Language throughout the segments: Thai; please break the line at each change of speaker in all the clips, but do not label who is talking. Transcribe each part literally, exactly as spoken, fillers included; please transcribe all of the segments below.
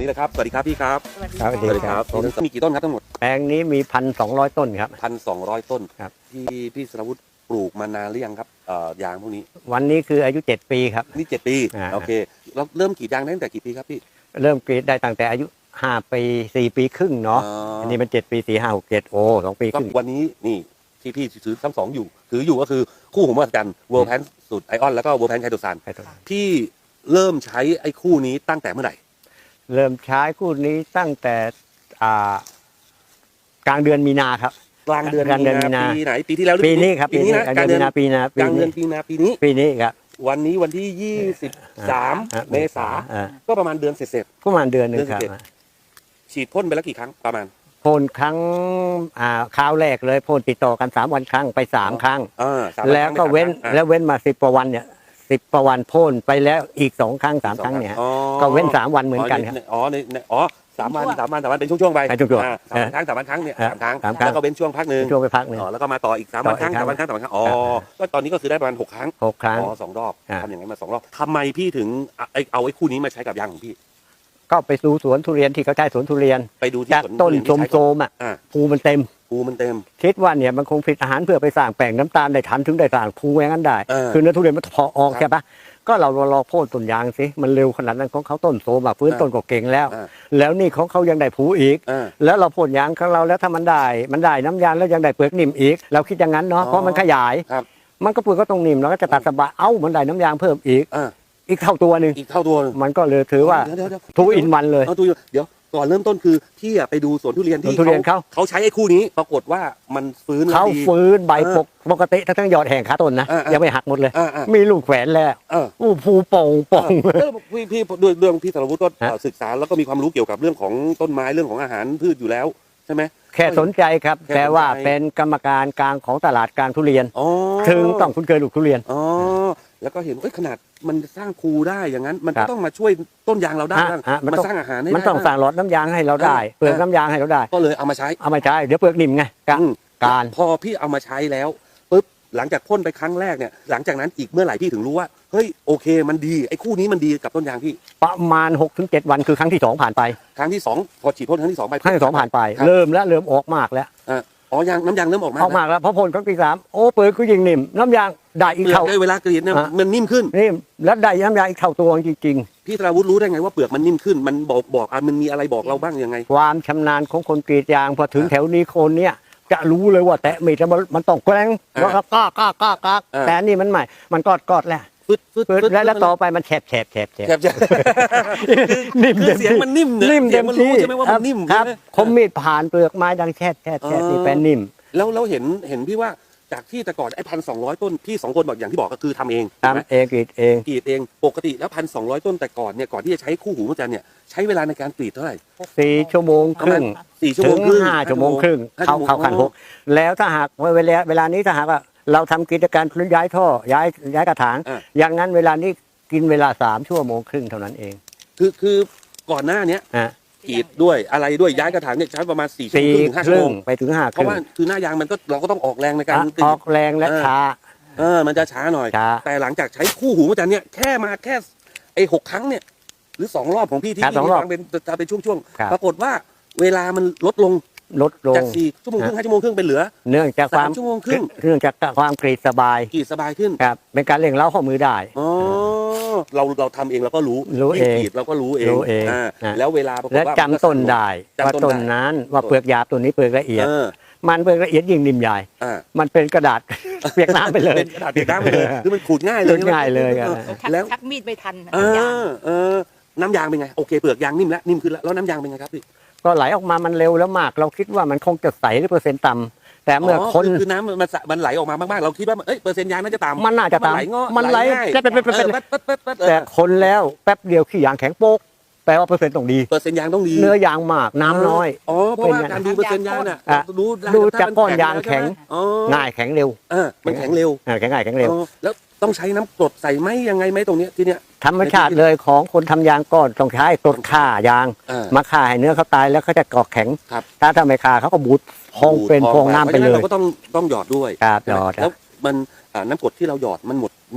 นี่แหละครับสวัสดีครับพี่ครับ
สวัสดีครับ
ผมมีกี่ต้นครับทั้งหมด
แปลงนี้มีพันสองร้อยต้นครับ
พันสองร้อยต้น
ครับ
ที่พี่สรวุฒิปลูกมานานหรือยังครับเอ่อยางพวกนี้
วันนี้คืออายุเจ็ดปีครับ
นี่เจ็ดปี
อ่า
โอเคเราเริ่มกรีดยางได้ตั้งแต่กี่ปีครับพี่
เริ่มกรีดได้ตั้งแต่อายุห้าปีสี่ปีครึ่งเนาะ
อ๋ออั
อันนี้มันเจ็ดปีสี่ห้าหกเจ็ดโอ้สองปีค
ก็
รึ่ง
วันนี้นี่ที่พี่ถือทั้งสองอยู่ถืออยู่ก็คือคู่หูมหัศจรรย์เวิร์ลแพนสูตรไอออนแล้วก็เวิร์ลแพนไคโตซานพี่เริ่มใช้ไอ้คู่นี้ตั้งแต่เมื่อไหร่
เริ่มใช้คู่นี้ตั้งแต่อ่ากลางเดือนมีนาครับ
กลางเดือน
กลางเดือนมีนา
ปีไหนปีที่แล้วหรือ
ปีนี้ครับ
ปีนี้นะ
กลางเดือนมีนาปีนาก
ลางเดือนปีนาปีนี้
ปีนี้ครับ
วันนี้วันที่ยี่สิบสาม
อ่ะ
เมษา
อ่ะ
ก็ประมาณเดือนเสร็จ
ประมาณเดือนหนึงครับ
เดือนสิบเอ็ด ๆฉีดพ่นไปแล้วกี่ครั้งประมาณ
พ่นครั้งอ่าคราวแรกเลยพ่นติดต่อกันสามวันครั้งไปสามครั้ง
อ่าสาม
แล้วก็
ครั้ง
เว้น
อ่ะ
แล้วเว้นมาสิบกว่าวันเนี่ยสิบกว่าวันพ่นไปแล้วอีกสองครั้งสามครั้งเนี่ย
อ๋อ
ก็เว้นสามวันเหมือนกันครับ
อ๋อในในอ๋อสามวันสามวันสามวันเป็นช่วงๆไป
เป็นช่วงๆ
อ่าสามวันครั้งสามวันครั้งเนี่ย
อ่ะ
สามครั้ง
สามครั้ง
แล้วก็เว้นช่วงพักหนึ่ง
ช่วงไปพักหนึ่ง
อ๋อแล้วก็มาต่ออีกสามวันครั้ง
ต่ออีก
สามวันครั้งสามวันครั้งอ๋อ
ครับ
ก็ตอนนี้ก็คือได้ประมาณหกครั้ง
หกครั้ง
อ๋อสองรอบ
อ่ะ
ทำอย่างนั้นมาสองรอบทำไมพี่ถึงเอาไอ้เอาไอ้คู่นี้มาใช้กับยางของพี่
ก็ไปดูสวนทุเรียนที่เขาใช้สวนทุเรียน
ไปดูที่
จาก
สวน
ต้น
ทุเรีย
โสม
ที่
โส
ใช้
มๆอ่ะ
อ่า
ภูมันเต็ม
ภูมันเต็ม
คิดว่าเนี่ยมันคงผลิตอาหารเพื่อไปสร้างแป้งน้ำตาลได้ทันถึงได้สร้างภูอย่างนั้นได้
เออ
คือเนื้อทุเรียนมันพอออก
ครับ
ใช่ปะก็เรารอโค่นต้นยางสิมันเร็วขนาดนั้นของเขาต้นโสมแบบฟื้น
อ่า
ต้นก็เก่งแล้ว
อ่า
แล้วนี่ของเขายังได้ภูอีก
อ่า
แล้วเราพ่นยางของเราแล้วถ้ามันได้มันได้น้ำยางแล้วยังได้เปลือกนิ่มอีก เราคิดอย่างนั้นเนาะ
อ๋อ
เพราะมันขยาย
ครับ
มันก็เปลือกก็ต้องนิ่มเราก็จะตัดสบายเอ้ามันได้น้ำยางเพิ่มอีก
อ่า
อีกเท่าตัวหนึ่ง
อีกเท่าตัวหนึ่ง
มันก็เลยถือว่า
เดี๋ยวเดี๋ยวเดี๋ยว
ทูอินวันเลย
เอาทูอินเดี๋ยวก่อนเริ่มต้นคือพี่อะไปดูสวนทุเรียนที่
สวนทุเรียนเขา
เขาใช้ไอ้คู่นี้ปรากฏว่ามันฟื้นแล้ว
เขา
ดี
ฟื้นใบ
เออ
ปกปกติทั้งทั้งยอดแห่งขาต้นนะ
อ่าอ่ายั
ยังไม่หักหมดเลย
อ่าอ่า
มีลูกแขวนแล้ว
เออ
อู้ภูโป่งโป่ง
เออพี่พี่ด้วยเรื่องพี่สรวุฒิก็
ฮะ
เอ่อศึกษาแล้วก็มีความรู้เกี่ยวกับเรื่องของต้นไม้เรื่องของอาหารพืชอยู่แล้วใช่ไหม
แค่สนใจครับ
แค่สนใจ
แต่ว่าเป็นกรรมการกลางของตลาดกลางทุเรียน
อ๋อ
ถึงต้องคุ้นเคยลูกทุเรียน
อ๋อแล้วก็เห็นเอ้ยขนาดมันสร้างภูได้อย่างนั้น มัน
ครั
ก็
บ
ต้องมาช่วยต้นยางเราได้
ฮะ
บ้าง
ฮะมัน
มา
ต้อง
สร้างอาหารให้
มัน
ได้
ต้อง
บ้าง
สั่งหลอดน้ำยางให้เราได้
เออ
เปลือกน้ำยางให้เราได้
ก็เลยเอามาใช้
เอามาใช้เดี๋ยวเปลือกนิ่มไงกะ
อืม
การ
พอพี่เอามาใช้แล้วปุ๊บหลังจากพ่นไปครั้งแรกเนี่ยหลังจากนั้นอีกเมื่อไหร่พี่ถึงรู้ว่าเฮ้ยโอเคมันดีไอ้คู่นี้มันดีกับต้นยางพี่
ประมาณหกถึงเจ็ดวันคือครั้งที่สองผ่านไป
ครั้งที่สองพอฉีดพ่นครั้งที่สองไป
ครั้งที่สองผ่านไป
ครับ
เริ่มแล้วเริ่มออกมากแล้ว
อ่ะอ๋อยางน้ำยางเริ่มออกมา
ออกมากแล้วพอพ่นครั้งที่สามโอ้เปลือกก็ยิ่งนิ่มน้ำยางได้อีก
เปลือก
เท่า
ได้เวลากรีดเนี่ย
ฮะ
มันนิ่มขึ้น
นิ่มแล้วได้น้ำยางอีกเท่าตัวจริงๆ
พี่ธราวุฒิรู้ได้ไงว่าเปลือกมันนิ่มขึ้น มันบอกบอกอ่ะมันมีอะไรบอกเราบ้างยังไง
ความชำนาญของคนกรีดยางพอถึง
อ่า
แถวนี้คนเนี่ยจะรู้เลยว่าแตะมีดแล้วมันมันต้องแกล้ง
อ่า
แล้วก็ก้าก้าก้าก้า
อ่า
แต่อันนี่มันใหม่มันกอดกอดแล้ว
ฟึดฟึด
ปึ๊ด
ฟึด
แล้วแล้วต่อไปมันแฉบแฉบแฉบแฉบ
แคบจะ
นิ่ม
คือ
เต็ม
เสียง
ที่
มันนิ่มเนี่ย
นิ่ม
เสี
เต็
ยง
ม
มัน
ที่
รู้ใช่ไหมว่ามันนิ่ม
ครับ
ใช่ไหม
คมมีดผ่านเปลือกไม้ดังแฉบแฉบแฉบ
อ๋อ
นี่เป็นนิ่ม
แล้วแล้วเห็นเห็นพี่ว่าจากที่แต่ก่อนไอ้พันสองร้อยต้นพี่สองคนบอกอย่างที่บอกก็คือทำเองถูกไหม
ทำเองกรีดเอง
กรีดเองปกติแล้วพันสองร้อยต้นแต่ก่อนเนี่ยก่อนที่จะใช้คู่หูมหัศจรรย์เนี่ยใช้เวลาในการกรีดเท่าไหร่
สี่ชั่วโมง
ป
ค
ระมา
รึ่
ณ
ง
สี่ชั่ว
ถึ
โมง
ง
ครึ่ง
ห้าชั่วโมงครึ่ง
ห้
เข้า
ชั่วโมง
เข้าขั้นหกแล้วถ้าหากว่าเวลาเวลานี้ถ้าหากว่าเราทำกิจการย้ายท่อย้ายย้ายกระถาง
อ่ะ
อย่างนั้นเวลานี้กินเวลาสามชั่วโมงครึ่งเท่านั้นเอง
คือคือก่อนหน้าเนี้ย
ฮะ
กรีดด้วยอะไรด้วยย้ายกระถางเนี่ยใช้ประมาณสี่ชั่วโม
สี่
งครึ่งถึงห้า
ค
ชั่ว
รึ่
โม
ง
ง
ไปถึงห้า
เพ
ครึ่
ราะ
ง
ว่าคือหน้ายางมันก็เราก็ต้องออกแรงในการ
อ่ะ
กรี
อ
ด
อกแรงและ
เออ
ช้า
เออมันจะช้าหน่อย
ช้า
แต่หลังจากใช้คู่หูมหัศจรรย์เนี่ยแค่มาแค่ไอ้หกครั้งเนี่ยหรือสองรอบของพี่ที่
ครับ
พี่
สองรอบ
ฟังเป็นจะเป็นช่วง
ครับ
ๆปรากฏว่าเวลามันลดลง
ลดลง
จากสี่ชั่วโมงครึ่งห้าชั่วโมงครึ่งเป็นเหลือ
เนื่องจากคาม
สาวมชั่วโมงครึ่ง
เนื่องจากความกรีดสบาย
กรีดสบายขึ้น
ครับเป็นการเร่งเล้าข้อมือได้
อ๋อเราเราทำเองเราก็รู้
รู้เอง
ยิ่กรีดเราก็รู้เอง
รู้เอง
อ่า
นะ
แล้วเวลาปรากฏ
และ
ว่า
จำต้นได้
จำ
ว่า
ต้น
ต้น
ได้
นั้นว่าเปลือกหยาบตัวนี้เปลือกละเอียด
เออ
มันเปลือกละเอียดยิ่งนิ่มใหญ่
อ่า
มันเป็นกระดาษ เปียกน้ำไปเลย
เป็นกระดาษเปียกน้ำไปเลยคือมันขูดง่ายเลย
ขูดง่ายเลยครับ
ออ
ชัก
แล้ว
ชักมีดไม่ทัน
เอ
น้ำยาง
อเออน้ำยางเป็นไงโอเคเปลือกยางนิ่มแล้วนิ่มขึ้นแล้วแล้วน้ำยางเป็นไงครับพี่
ก็ไหลออกมามันเร็วแล้วมาก เราคิดว่ามันคงจะใสหรือเปอร์เซ็นต์ต่ำแต่เมื่อคน
คือน้ำมันสะมันไหลออกมามากๆ เราคิดว่าเอ้ยเปอร์เซ็นต์ยางน่าจะต่ำ
มันน่าจะ
มันไหล
ต่ำ
เงาะ
มันไหล
ง่าย
แป๊บแป๊บแป๊บแป๊บ
เออแป๊บแป๊บแป๊บแป๊บเออ
แต่คนแล้วแป๊บเดียวขี้ยางแข็งโป๊กแปลว่าเปอร์เซ็นต์ต้องดี
เปอร์เซ็นต์ยางต้องดี
เนื้อยางมากน้ำน้อย
อ๋อเพราะว่า
เป็นไง
การดูเปอร์เซ็นต์ยางน่ะ
อ่ะ
ดูได้
ดูจาก
ถ้มั
ก้อนยางแข็ง
อ๋อ
ง่ายแข็งเร็ว
เออมันแข็งเร็ว
อ่าแข็งง่ายแข็งเร็ว
อ๋อแล้วต้องใช้น้ำกรดใส่ไหมยังไงไหมตรงเนี้ยที่เนี้ย
ธรรมชาติเลยของคนทำยางก้อนต้องใช้กรดฆ่ายาง
อ่า
มาฆ่าให้เนื้อเขาตายแล้วเขาจะเกาะแข็ง
ครับ
ถ้าทำไม่ฆ่าเขาก็บูดพองเป็นพองน้ำไปเล
พราะฉะ
ย
เราก็ต้องต้องหยอดด้วย
ครับหยอด
แล้วมันอ่าน้ำกรดที่เราหยอดมันหมดหมด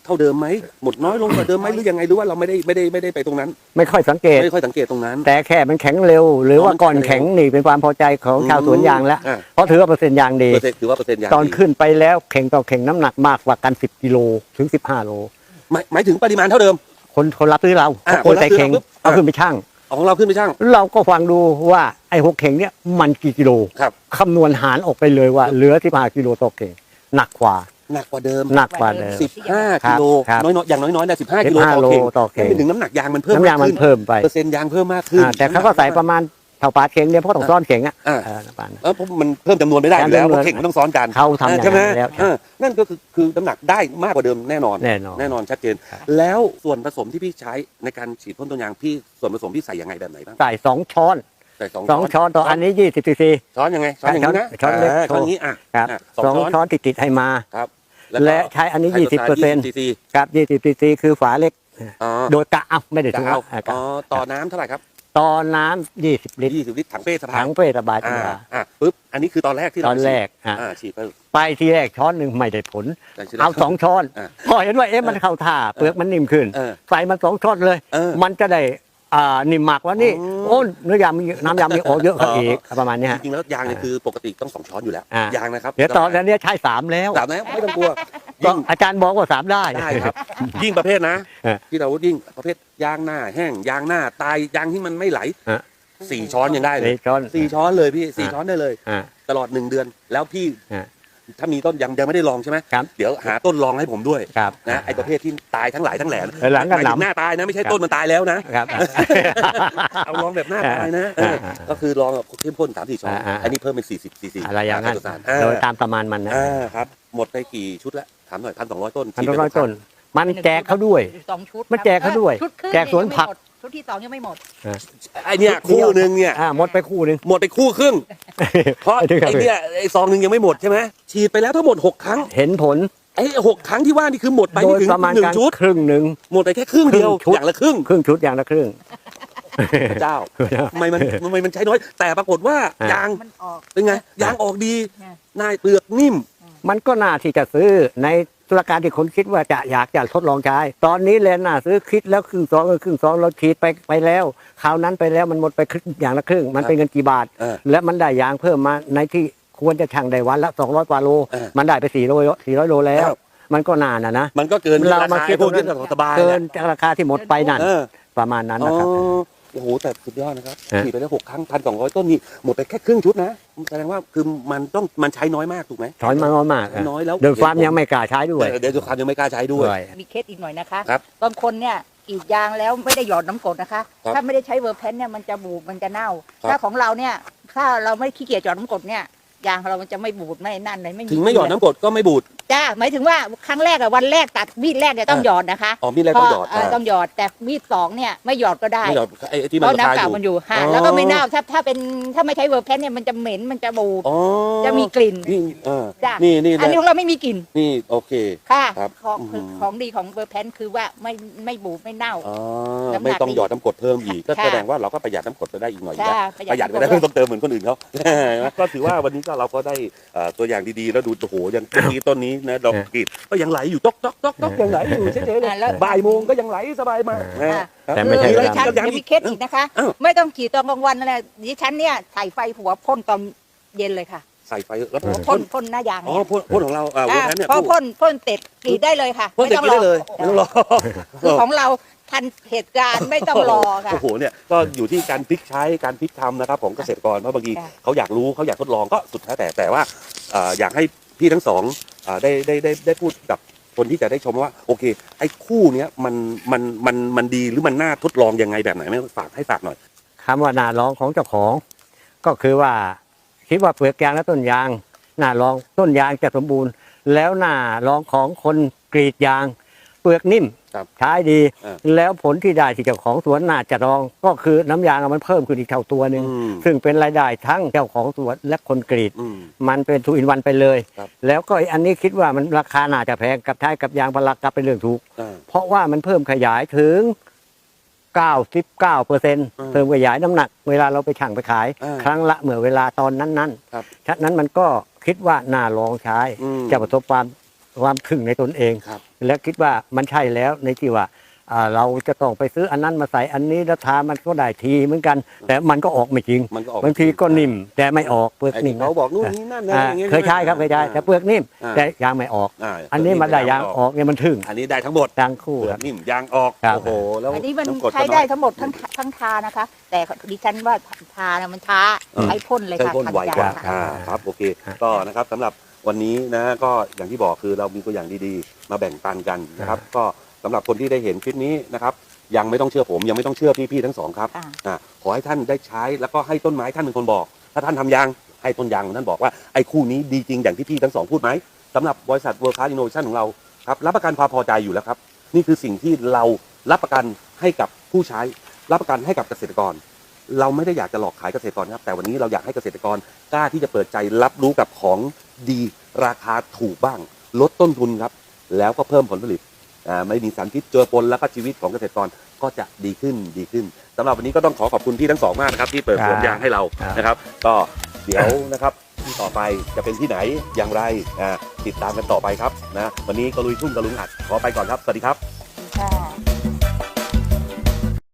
เท่าเดิมไหมหมดน้อยลงกว่าเดิมไหมหรือยังไงหรือว่าเราไม่ได้ไม่ได้ไม่ได้ไปตรงนั้น
ไม่ค่อยสังเกต
ไม่ค่อยสังเกตตรงนั้น
แต่แค่มันแข็งเร็ว หรือว่าก่อนแข็งนี่เป็นความพอใจของชาวสวนยางแล้ว
อ่า
เพราะถือว่าเปอร์เซ็นต์ยางดี
เปอร์เซ็นต์ถือว่าเปอร์เซ็นต์ยาง
ตอน
ดี
ขึ้นไปแล้วเข่งต่อเข่งน้ำหนักมากกว่ากันสิบกิโลถึงสิบห้าโล
หมายหมายถึงปริมาณเท่าเดิม
คนคนรับซื้อเรา
อ่า
คนใส่เข่ง
คนรับซื้อเราปุ๊บ
เอาขึ้นไปชั่ง
ของเราขึ้นไปช่าง
เราก็ฟังดูว่าไอ้หกเข่งเนี่ยมันกี่กิโล
ครับ
คำนวณหารออกไปเลยว่าเหลือสิบห้ากิโลต่อเข่งหนักกว่า
หนักกว่าเดิม
หนักกว่าเดิม
สิบห้า
ครั
กิ
บ
โล
ครับ
น้อยๆอย่างน้อยๆนะสิบห้ากิโล
สิบห้า
ต่อเข่ง
โลต่อเข่ง
ไม่ถึงน้ำหนักยางมันเพิ่ม
น้ำยางมัน
ขึ้
เพิ่มไป
เปอร์เซ็นต์ยางเพิ่มมากขึ้น
อ่าแต่เขาก็ใส่ประมาณเท่าปาดเข่งเนี่ยเพราะต้องซ้อนเข่งอ่ะ
อ่า
เออประมาณนั้น
เออเพราะมันเพิ่มจำนวนไม่ได้อยู่แล้ว
จำนวน
เพราะเข่งมันต้องซ้อนกัน
เขาทำอย่างนั้น
ใช่ไหม
แล้ว
เออนั่นก็คือคือน้ำหนักได้มากกว่าเดิมแน่นอน
แน่นอน
แน่นอนชัดเจน
ครับ
แล้วส่วนผสมที่พี่ใช้ในการฉีดพ่นต้นยางพี่ส่วนผสมพี่ใส่ยังไงแบบไหนบ้าง
ใส่สองช้อน
ใส่สอง
สองช้อนต่ออันนี้ยี่สิบซีซี
ช้อนยังไงช้อนอย่างนี้นะ
ช้อนเล็ก
าช้อนอย่างนี้อ่ะ
ครับ
อ่ะ
สอง
ช้อน
ช้อนติดติดๆให้มา
ครับก็
และใช้อันนี้ยี่สิบเปอร์เซ็นต์
ซีซี
ครับยี่สิบซีซีคือฝาเล็ก
อ๋อ
โดยกะเอาไม่ได้
จะ
ถุง
เอา
อ่ะกะ
อ๋อต่อน้ำเท่าไหร่ครับ
ต่อน้ำยี่สิบลิตร
ยี่สิบลิตรถังเป้สะพา
ถั
น
งเป้ระบาย
อ่า
ตัว
อ่ะปุ๊บอันนี้คือตอนแรกที่
ต
เรา
อนแรกอ่ะ
อ่าฉีดไป
ไปทีแรกช้อนหนึ่งไม่ได้ผล
แต่ทีแรก
เอาสองช้อน
อ่ะ
พอเห็นว่าเอ๊ะมันเข้าท่าเปลือกมันนิ่มขึ้น
เออ
ใส่มันสองช้อนเลย
เออ
มันจะได้อ่านิ่มมากกว่านี่
อ๋อ
โอ้เนื้อยางมีน้ำยางมีโอเยอะขึ้นอีกประมาณเนี้ย
จ
ฮะ
ริงๆแล้วยางเนี่ยคือปกติต้องสองช้อนอยู่แล้ว
อ่ะ
ยางนะครับ
เดี๋ยวตอนนี้ใช้สามแล้ว
สามนะไม่ต้องกลัว
ก็
ยิ่ง
อาจารย์บอกว่าสามได้
ได้ครับ ยิ่งประเภทนะ
เออ
ที่เรายิ่งประเภทยางหน้าแห้งยางหน้าตายยางที่มันไม่ไหล
เออ
สี่ช้อนยังได้เลย
สี่ช้อน
สี่ช้อนเลยพี่สี่
อ่ะ
ช้อนได้เลย
อ่า
ตลอดหนึ่งเดือน แล้วพี่
อ่า
ถ้ามีต้นยังยังไม่ได้ลองใช่ไหม
ครับ
เดี๋ยวหาต้นลองให้ผมด้วย
ครับ
นะไอประเภทที่ตายทั้งหลายทั้งแหล่
เออหลังกัน
มายถึง
หนำ
หน้าตายนะไม่ใช่
ครับ
ต้นมันตายแล้วนะ
ครับ
เอาลองแบบหน้าตายนะเออ
อ่า
ก็คือลองแบบเข้มข้นสามสี่ช้อน
อ่าอ่า
อันนี้เพิ่มเป็นสี่สิบซีซี
อะไรอย่างนั้น
อ่า
โดยตามประมาณมันนะ
อ่าครับหมดไปกี่ชุดแล้วถามหน่อยพันสองร้อยต้น
พัน
ฉีดไป
ร้อย
กี่ครั้ง
ต้น มันแจกเขาด้วย
สองชุด
มันแจกเขาด้วย
ชุดครึ่ง
แจกสวนผัก
ยังไม่หมดชุดที่สองยังไม่หมด
ไอเนี่ยคู่หนึ่งเนี่ย
อ่าหมดไปคู่หนึ่ง
หมดไปคู่ครึ่ง เพราะ
ไอ้ที่ครับ
ไอเนี่ยไอซองหนึ่งยังไม่หมดใช่ไหมฉีดไปแล้วทั้งหมดหกครั้ง
เห็นผล
ไอหกครั้งที่ว่านี่คือหมดไป
โด
ไม่
ย
ถึง
ประมาณ
หนึ่
กาง ร
ชุด
ครึ่งหนึ่ง
หมดไปแค่ครึ่งเดียว
ครึ่งชุด
อย่างละครึ่ง
ครึ่งชุดอย่างละครึ่ง
พระเจ้าทำไมมันทำไมมันใช้น้อย แต่ปรากฏว่า
อ่ะ
ยาง
มันออก
เป็นไงยางออกดี
เนี่ย
หน้าเปลือกนิ่ม
มันก็น่าที่จะซื้อในธุรการที่คนคิดว่าจะอยากจะทดลองใช้ ตอนนี้แลนน่าซื้อคิดแล้วครึ่งสองเออครึ่งสองเราฉีดไปไปแล้วคราวนั้นไปแล้วมันหมดไปครึ่งอย่างละครึ่ง มันเป็นเงินกี่บาท
เออ
และมันได้ยางเพิ่มมาในที่ควรจะชั่งได้วันละสองร้อยกว่าโล
เออ
มันได้ไปสี่โลสี่ร้อยโลแล้ว
ครับ
มันก็นานนะนะ
มันก็เกิน
เรามา
ค
คิด
พวกนี้สบายๆ
เกิ
แห
น
ละ
จากราคาที่หมดไปนั่น
เออ
ประมาณนั้น
อ๋อ
นะครับ
โอ้โหแต่สุดยอดนะครับ
ฮะ
ฉีดไปแล้วหกครั้งพันสองร้อยต้นนี่หมดไปแค่ครึ่งชุดนะแสดงว่าคือมันต้องมันใช้น้อยมากถูกไหม
ถอยมาน้อยมากอะ
น้อยแล้ว
โดยฟาร์มยังไม่กล้าใช้ด้วย
เดี๋ยวดูความยังไม่กล้าใช้ด้วย
ด้วย
มีเคสอีกหน่อยนะคะ
ครับ
บางคนเนี่ยกรีดยางแล้วไม่ได้หยอดน้ำกรดนะคะ
ครับ
ถ้าไม่ได้ใช้เวอร์แพนเนี่ยมันจะบูดมันจะเน่า
ครับ
ถ้าของเราเนี่ยถ้าเราไม่ขี้เกียจหยอดน้ำกรดเนี่ยยางของเรามันจะไม่บูดไม่นั่นเลยไม่
ถึงไม่หยอดน้ำกรดก็ไม่บูด
จ้าหมายถึงว่าครั้งแรกอะวันแรกตัดมีดแรกเนี่ยต้องหยอดนะคะ
อ๋อมีดแรกต้องหยอด
เพราะเต้องหยอดแต่มีดสองเนี่ยไม่หยอดก็ได้
ไม่หยอดไอ้ที่
เพ
มัน
ราะ
ราคา
น้ำ
อ
เก่า
ยู่
มันอยู่ค่ะ
อ๋อ
แล้วก็ไม่เน่าถ้าถ้าเป็นถ้าไม่ใช้เวอร์แพนเนี่ยมันจะเหม็นมันจะบูด
อ๋อ
จะมีกลิ่น
นี่เออ
จ้ะ
นี่นี่
อันนี้ของเราไม่มีกลิ่น
นี่โอเค
ค่ะ
ครับ
ของ
อืม
ของดีของเบอร์แพนคือว่าไม่ไม่บูดไม่เน่า
อ๋อ
น้ำหนัก
ไม่ต้องหยอดน้ำกรดเพิ่มอีกก็
ค่ะ
แสดงว่าเราก็ประหยัดน้ำกรดไปได้อีกหน่อย
ใช่
นะ ประหยัดไปได้
น้ำกร
ไม่ต้องเติมเหมือนคนอื่นเขา ก็ถือว่าวันนี้ก็เราก็ได้เอ่อตัวอย่างดีๆ แล้วดูโอ้โหยังต้นนี้ต้นนี้นะดอกกรีดก็ยังไหลอยู่ต๊อกต๊อกต๊อกต๊อกยังไหลอยู่เฉยๆเลย
อ่าแล้ว
บ่ายโมงก็ยังไหลสบายมากนะ
อ่า
ครับ
แต่ไม่ใช่
คือ
เว
ดิ
ลา
ฉัน
ยัง
จะ
อี
มี
ก
เคสอีกนะคะ
อ้าว
ไม่ต้องขี่ตอนกลางวันนั่นแหละดิฉันเนี่ยใส่ไฟหัวพ่นตอนเย็นเลยค่ะ
ใส่ไฟแล้วพ่
พ่
น
นพ่นหน้ายาง
อ๋อ
เนี่ย
พ่นพ่นของเราอ่าเวอร์แพนเนี่ย
พอ
พ่น
พ่นพ่นเสร็จกรีดได้เลยค่ะ
พ่นเสร็จกินได้เลยไม่ต้องรอ
คือของเราทันเหตุการณ์ไม่ต้องรอค่ะ
โอ้โหเนี่ยก็อยู่ที่การพลิกใช้การพลิกทำนะครับของเกษตรกรเพราะบางที
ค่ะ
เขาอยากรู้เขาอยากทดลองก็สุดแท้แต่แต่ว่าเอ่ออยากให้พี่ทั้งสองเอ่อได้ได้ได้ได้พูดกับคนที่จะได้ชมว่าโอเคไอ้คู่เนี้ยมันมันมันมันดีหรือมันน่าทดลองยังไงแบบไหนไม่ฝากให้ฝากหน่อย
คำว่าหน้าร้องของเจ้าของ ก็คือว่าคิดว่าเปลือกยางและต้นยางหน้าร้องต้นยางจะสมบูรณ์ แล้วหน้าร้องของคนกรีดยาง เปลือกนิ่ม
ครับ
ใช้ดี
อ่า
แล้วผลที่ได้ที่เจ้าของสวนน่าจะรอง ก็คือน้ำยางมันเพิ่มขึ้นอีกเท่าตัวหนึ่ง
อืม
ซึ่งเป็นรายได้ทั้งเจ้าของสวนและคนกรีด
อืม
มันเป็นทูอินวันไปเลย
ครับ
แล้วก็อันนี้คิดว่ามันราคาน่าจะแพงกับใช้กับยางพารากับเป็นเรื่องถูก
อ่า
เพราะว่ามันเพิ่มขยายถึง เก้าสิบเก้าเปอร์เซ็นต์
อืม
เพิ่มขยายน้ำหนัก เวลาเราไปชั่งไปขาย
อ่า
ครั้งละเมื่อเวลาตอนนั้น
ครับ
ๆฉะนั้นมันก็คิดว่าน่าลองใช้
อืม
จะประสบความความถึงในตนเอง
ครับ
และคิดว่ามันใช่แล้วในที่ว่าอ่าเราจะต้องไปซื้ออันนั้นมาใส่อันนี้แล้วทามันก็ได้ทีเหมือนกัน แต่มันก็ออกไม่จริง
มันก็ออก
บางทีก็นิ่มแต่ไม่ออกเปลือก
ไอ้
นิ่
ที่
ม
เขาบอกนู่นนี่นั่นนะ
อ่า
อย่างเงี้ย
เคยใช้ครับเคยใช้แต่เปลือกนิ่ม
อ่า
แต่ยางไม่ออก
อ่า
อันนี้มันได้ยางออกเนี่ยมันถึง
อันนี้ได้ทั้งหมด
ยางคู่
เปลื
ค
อ
รั
ก
บ
นิ่มยางออก
ครับ
โอ้โหแล้ว
อันนี้มัน
ำกรดก็
ใช้ได้
น้อย
ทั้งหมดทั้งทั้งทานะคะ แต่ดิฉันว่าทานะมันช้า
อืม
ใช้พ่นเลย
ใช้
ค่ะ
พ่นไวกว่า
ทันย
อ่า
ค่ะ
ครับโอเค
ครับ
ก็นะครับสำหรับวันนี้นะก็อย่างที่บอกคือเรามีตัวอย่างดีๆ มาแบ่งปันกันนะครับ ก็สำหรับคนที่ได้เห็นคลิปนี้นะครับ ยังไม่ต้องเชื่อผมยังไม่ต้องเชื่อพี่ๆทั้งสองครับ
ค่ะ
อ่าขอให้ท่านได้ใช้แล้วก็ให้ต้นไม้ท่านเป็นคนบอก ถ้าท่านทำยางให้ต้นยางท่านบอกว่าไอ้คู่นี้ดีจริงอย่างที่พี่ทั้งสองพูดไหมสำหรับบริษัท World Class Innovation ของเราครับรับประกันความพอใจอยู่แล้วครับ นี่คือสิ่งที่เรารับประกันให้กับผู้ใช้ รับประกันให้กับเกษตรกร เราไม่ได้อยากจะหลอกขายเกษตรกรครับแต่วันนี้เราอยากให้เกษตรกรกล้าที่จะเปิดใจรับรู้กับของดีราคาถูกบ้าง ลดต้นทุนครับ แล้วก็เพิ่มผลผลิตอ่าไม่มีสารพิษเจือปนแล้วก็ชีวิตของเกษตรกรก็จะดีขึ้นดีขึ้นสำหรับวันนี้ก็ต้องขอขอบคุณพี่ทั้งสองมากนะครับที่เปิดสวนยางให้เรา
ครับ
นะครับ ก็เดี๋ยวนะครับที่ต่อไปจะเป็นที่ไหนอย่างไรอ่าติดตามกันต่อไปครับนะวันนี้ก็ลุยทุ่งกระลุงอัดขอไปก่อนครับสวัสดีครับ